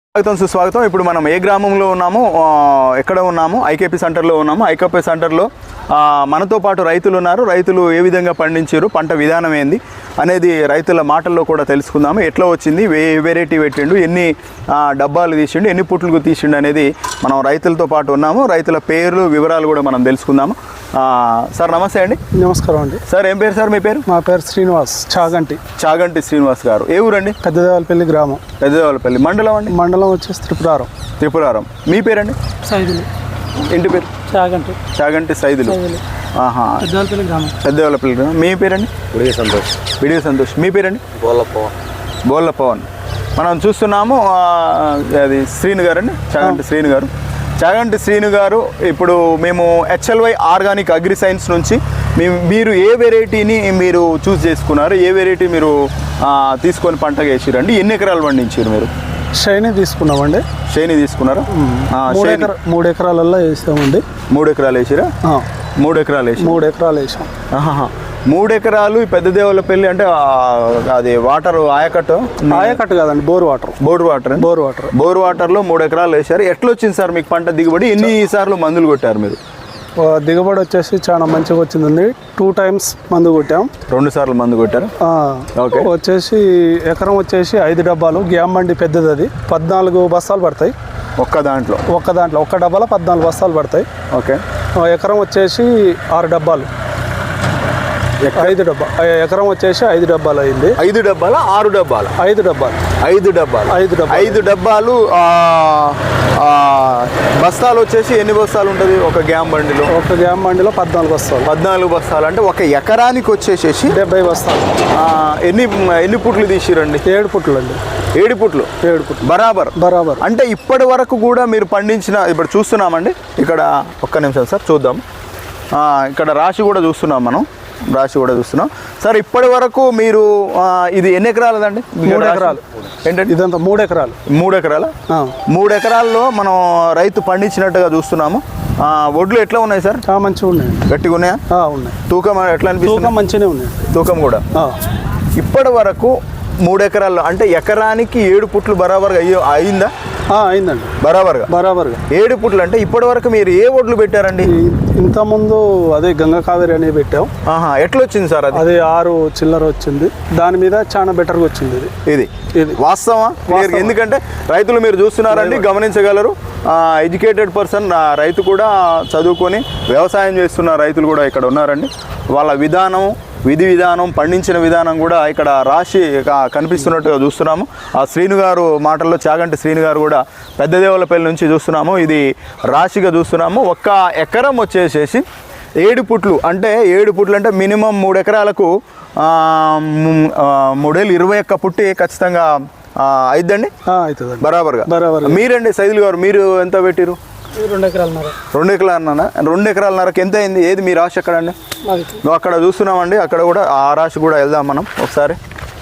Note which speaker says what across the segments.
Speaker 1: స్వాగతం సుస్వాగతం. ఇప్పుడు మనం ఏ గ్రామంలో ఉన్నాము, ఎక్కడ ఉన్నాము? ఐకేపీ సెంటర్లో ఉన్నాము. ఐకేపీ సెంటర్లో మనతో పాటు రైతులు ఉన్నారు. రైతులు ఏ విధంగా పండించారు, పంట విధానం ఏంది అనేది రైతుల మాటల్లో కూడా తెలుసుకుందాము. ఎట్లా వచ్చింది, ఏ వెరైటీ పెట్టిండు, ఎన్ని డబ్బాలు తీసిండు, ఎన్ని పుట్లకు తీసిండు అనేది మనం రైతులతో పాటు ఉన్నాము. రైతుల పేర్లు వివరాలు కూడా మనం తెలుసుకుందాము. సార్ నమస్తే అండి.
Speaker 2: నమస్కారం అండి.
Speaker 1: సార్ ఏం పేరు సార్ మీ పేరు?
Speaker 2: మా పేరు శ్రీనివాస్, చాగంటి
Speaker 1: శ్రీనివాస్ గారు. ఏ ఊరండి?
Speaker 2: పెద్దదేవలపల్లి గ్రామం.
Speaker 1: పెద్దదేవలపల్లి మండలం అండి?
Speaker 2: మండలం వచ్చేసి త్రిపురారం.
Speaker 1: మీ పేరండి?
Speaker 2: సైదులు.
Speaker 1: ఇంటి పేరు? చాగంటి సైదులు. పెద్దదేవలపల్లి గ్రామం. మీ పేరండి? బిడివి సంతోష్. మీ పేరండి? బోళ్ళ పవన్. మనం చూస్తున్నాము అది శ్రీను గారు అండి, చాగంటి శ్రీను గారు. ఇప్పుడు మేము HLY ఆర్గానిక్ అగ్రి సైన్స్ నుంచి మీరు ఏ వెరైటీని మీరు చూస్ చేసుకున్నారు, ఏ వెరైటీ మీరు తీసుకొని పంటగా వేసిరండి, ఎన్ని ఎకరాలు పండించారు మీరు?
Speaker 2: షైనీ తీసుకున్నామండి.
Speaker 1: షైనీ తీసుకున్నారా?
Speaker 2: 3 ఎకరాలలో వేసామండి.
Speaker 1: 3 ఎకరాలు వేసిరా? 3 ఎకరాలు వేసి
Speaker 2: 3 ఎకరాలు వేసాం.
Speaker 1: 3 ఎకరాలు. పెద్దదేవలపల్లి అంటే అది వాటర్ ఆయకట్టు
Speaker 2: కాదండి, బోర్ వాటర్లో 3 ఎకరాలు వేసారు. ఎట్లా వచ్చింది సార్ మీకు పంట దిగుబడి? ఎన్ని సార్లు మందులు కొట్టారు మీరు? దిగుబడి వచ్చేసి చాలా మంచిగా వచ్చిందండి. 2 times మందు కొట్టాం. 2
Speaker 1: సార్లు మందు కొట్టారు.
Speaker 2: ఓకే. వచ్చేసి ఎకరం వచ్చేసి 5 డబ్బాలు. గ్యామ్ బండి పెద్దది, అది 14 బస్తాలు పడతాయి ఒక్క దాంట్లో. ఒక్క డబ్బాలో 14 బస్తాలు పడతాయి.
Speaker 1: ఓకే.
Speaker 2: ఎకరం వచ్చేసి 6 డబ్బాలు. 5 డబ్బా ఎకరం వచ్చేసి 5 డబ్బాలు అయింది.
Speaker 1: 5 డబ్బాలు 6 డబ్బాలు? 5 డబ్బాలు. బస్తాలు వచ్చేసి ఎన్ని బస్తాలు ఉంటుంది ఒక గ్యామ్ బండిలో? 14 బస్తాలు. అంటే ఒక ఎకరానికి వచ్చేసేసి
Speaker 2: 70 బస్తాలు.
Speaker 1: ఎన్ని పుట్లు తీసిరండి?
Speaker 2: 7 పుట్లు అండి.
Speaker 1: 7 పుట్లు బరాబర్. అంటే ఇప్పటి వరకు కూడా మీరు పండించిన, ఇప్పుడు చూస్తున్నామండి ఇక్కడ, ఒక్క నిమిషం సార్ చూద్దాం. ఇక్కడ రాశి కూడా చూస్తున్నాం సార్. ఇప్పటి వరకు మీరు ఇది ఎన్ని ఎకరాలదండి?
Speaker 2: 3 ఎకరాలు.
Speaker 1: ఏంటంటే
Speaker 2: ఇదంతా 3 ఎకరాలు.
Speaker 1: 3 ఎకరాల? 3 ఎకరాల్లో మనం రైతు పండించినట్టుగా చూస్తున్నాము. వడ్లు ఎట్లా ఉన్నాయి సార్?
Speaker 2: మంచిగా ఉన్నాయి.
Speaker 1: గట్టిగా ఉన్నాయా?
Speaker 2: ఉన్నాయి.
Speaker 1: తూకం ఎట్లా అనిపిస్తుంది?
Speaker 2: తూకం మంచిగానే ఉన్నాయి.
Speaker 1: తూకం కూడా. ఇప్పటి వరకు 3 ఎకరాల్లో అంటే ఎకరానికి 7 పుట్లు బరాబర్గా అయిందా?
Speaker 2: అయిందండి.
Speaker 1: బరాబర్గా 7 పుట్లు. అంటే ఇప్పటి వరకు మీరు ఏ వడ్లు పెట్టారండి?
Speaker 2: ఇంతకుముందు అదే గంగా కావేరి అనేది పెట్టాం.
Speaker 1: ఎట్లా వచ్చింది సార్? అది
Speaker 2: 6 చిల్లర వచ్చింది. దాని మీద చాలా బెటర్గా వచ్చింది. ఇది
Speaker 1: వాస్తవా? ఎందుకంటే రైతులు మీరు చూస్తున్నారండి, గమనించగలరు. ఎడ్యుకేటెడ్ పర్సన్, రైతు కూడా చదువుకొని వ్యవసాయం చేస్తున్న రైతులు కూడా ఇక్కడ ఉన్నారండి. వాళ్ళ విధి విధానం, పండించిన విధానం కూడా ఇక్కడ రాశి కనిపిస్తున్నట్టుగా చూస్తున్నాము. ఆ శ్రీను గారు మాటల్లో, చాగంటి శ్రీను గారు కూడా పెద్దదేవలపల్లి నుంచి చూస్తున్నాము. ఇది రాశిగా చూస్తున్నాము. ఒక్క ఎకరం వచ్చేసేసి 7 పుట్లు. అంటే 7 పుట్లు అంటే మినిమం 3 ఎకరాలకు 3,21 పుట్టి ఖచ్చితంగా అయిద్దండి. బరాబర్గా. మీరండి సైదులు గారు, మీరు ఎంత పెట్టిరు?
Speaker 2: 2 ఎకరాలన్నర.
Speaker 1: 2 ఎకరాలన్నరకు ఎంత అయింది? ఏది మీ రాశి ఎక్కడండి? అక్కడ చూస్తున్నామండి. అక్కడ కూడా ఆ రాశి కూడా వెళ్దాం మనం ఒకసారి.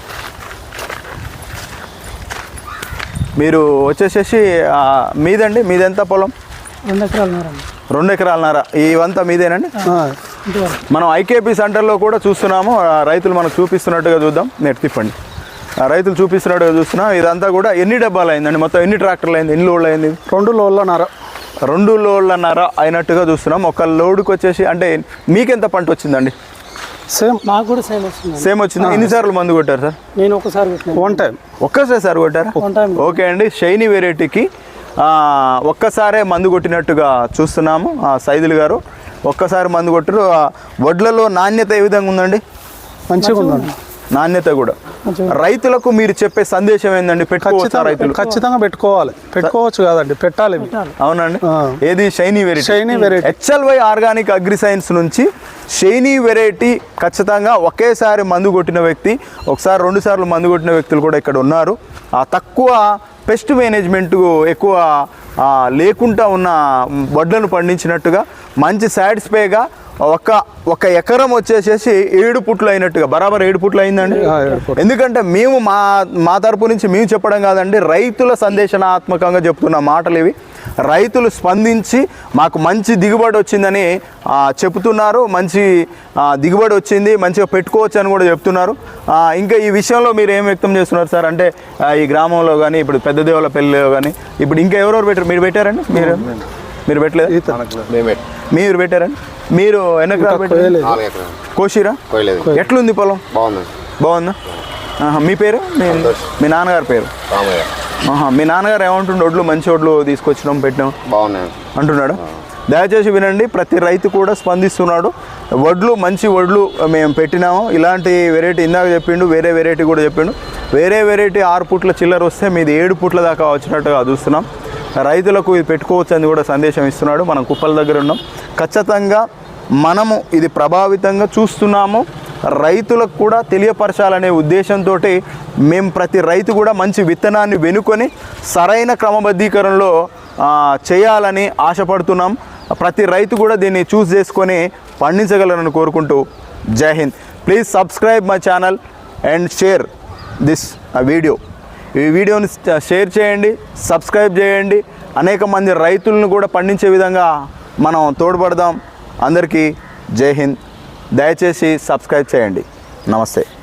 Speaker 1: మీరు వచ్చేసేసి మీదండి, మీదెంత పొలం? 2 ఎకరాలన్నర. ఇవంతా మీదేనండి? మనం ఐకేపీ సెంటర్లో కూడా చూస్తున్నాము. రైతులు మనకు చూపిస్తున్నట్టుగా చూద్దాం. నెట్ తిప్పండి. రైతులు చూపిస్తున్నట్టుగా చూస్తున్నాం. ఇదంతా కూడా ఎన్ని డబ్బాలు అయిందండి? మొత్తం ఎన్ని ట్రాక్టర్లు అయింది? ఎన్ని లోడ్లు అయింది?
Speaker 2: 2 లోడ్లన్నర.
Speaker 1: 2 లోడ్లన్నర అయినట్టుగా చూస్తున్నాం. ఒక లోడ్కి వచ్చేసి అంటే మీకెంత పంట వచ్చిందండి?
Speaker 2: నాకు కూడా సేమ్
Speaker 1: వచ్చింది. ఎన్నిసార్లు మందు కొట్టారు సార్?
Speaker 2: నేను ఒకసారి
Speaker 1: ఒక్కసారి కొట్టారా? ఓకే అండి. షైనీ వెరైటీకి ఒక్కసారే మందు కొట్టినట్టుగా చూస్తున్నాము. సైదులు గారు ఒక్కసారి మందు కొట్టారు. వడ్లలో నాణ్యత ఏ విధంగా ఉందండి?
Speaker 2: మంచిగా ఉందండి.
Speaker 1: నాణ్యత కూడా. రైతులకు మీరు చెప్పే సందేశం ఏంటండి?
Speaker 2: ఖచ్చితంగా పెట్టుకోవచ్చు కాదండి, పెట్టాలి.
Speaker 1: అవునండి. ఏది? Shiny variety. HLY organic agri science నుంచి షైనీ వెరైటీ ఖచ్చితంగా ఒకేసారి మందు కొట్టిన వ్యక్తి, ఒకసారి 2 సార్లు మందు కొట్టిన వ్యక్తులు కూడా ఇక్కడ ఉన్నారు. తక్కువ పెస్ట్ మేనేజ్మెంట్ ఎక్కువ లేకుండా ఉన్న వడ్లను పండించినట్టుగా మంచి సాటిస్ఫైగా ఒక ఎకరం వచ్చేసేసి 7 పుట్లు అయినట్టుగా బరాబర్ 7 పుట్లు అయిందండి. ఎందుకంటే మేము మా తరపు నుంచి మేము చెప్పడం కాదండి, రైతుల సందేశనాత్మకంగా చెప్తున్న మాటలు ఇవి. రైతులు స్పందించి మాకు మంచి దిగుబడి వచ్చిందని చెప్తున్నారు. మంచి దిగుబడి వచ్చింది, మంచిగా పెట్టుకోవచ్చు అని కూడా చెప్తున్నారు. ఇంకా ఈ విషయంలో మీరు ఏం వ్యక్తం చేస్తున్నారు సార్? అంటే ఈ గ్రామంలో కానీ ఇప్పుడు పెద్ద దేవుల పెళ్ళిలో కానీ ఇప్పుడు ఇంకా ఎవరెవరు పెట్టారు? మీరు పెట్టారండి? మీరు పెట్టలేదు? మీరు పెట్టారండి? మీరు ఎన్ని ఎకరాలు పెట్టారు? కోసిరా? ఎట్లుంది పొలం? బాగుందా? మీ పేరు? మీ నాన్నగారి పేరు? మీ నాన్నగారు ఏమంటుండే? వడ్లు మంచి వడ్లు తీసుకొచ్చినాం పెట్టినాం
Speaker 3: బాగున్నాయి
Speaker 1: అంటున్నాడు. దయచేసి వినండి, ప్రతి రైతు కూడా స్పందిస్తున్నాడు. వడ్లు మంచి వడ్లు మేము పెట్టినాము, ఇలాంటి వెరైటీ ఇందాక చెప్పిండు, వేరే వెరైటీ కూడా చెప్పిండు. వేరే వెరైటీ 6 పుట్ల చిల్లర వస్తే మీది 7 పుట్ల దాకా వచ్చినట్టుగా చూస్తున్నాం. రైతులకు ఇది పెట్టుకోవచ్చు అని కూడా సందేశం ఇస్తున్నాడు. మనం కుప్పల దగ్గర ఉన్నాం. ఖచ్చితంగా మనము ఇది ప్రభావితంగా చూస్తున్నాము. రైతులకు కూడా తెలియపరచాలనే ఉద్దేశంతో మేము ప్రతి రైతు కూడా మంచి విత్తనాన్ని వెనుకొని సరైన క్రమబద్ధీకరణలో చేయాలని ఆశపడుతున్నాం. ప్రతి రైతు కూడా దీన్ని చూస్ చేసుకొని పండించగలరని కోరుకుంటూ Jai Hind. Please subscribe my channel and share this video. ఈ వీడియోని షేర్ చేయండి, సబ్స్క్రైబ్ చేయండి. అనేక మంది రైతులను కూడా పండించే విధంగా మనం తోడ్పడదాం. అందరికీ జై హింద్. దయచేసి సబ్స్క్రైబ్ చేయండి. నమస్తే.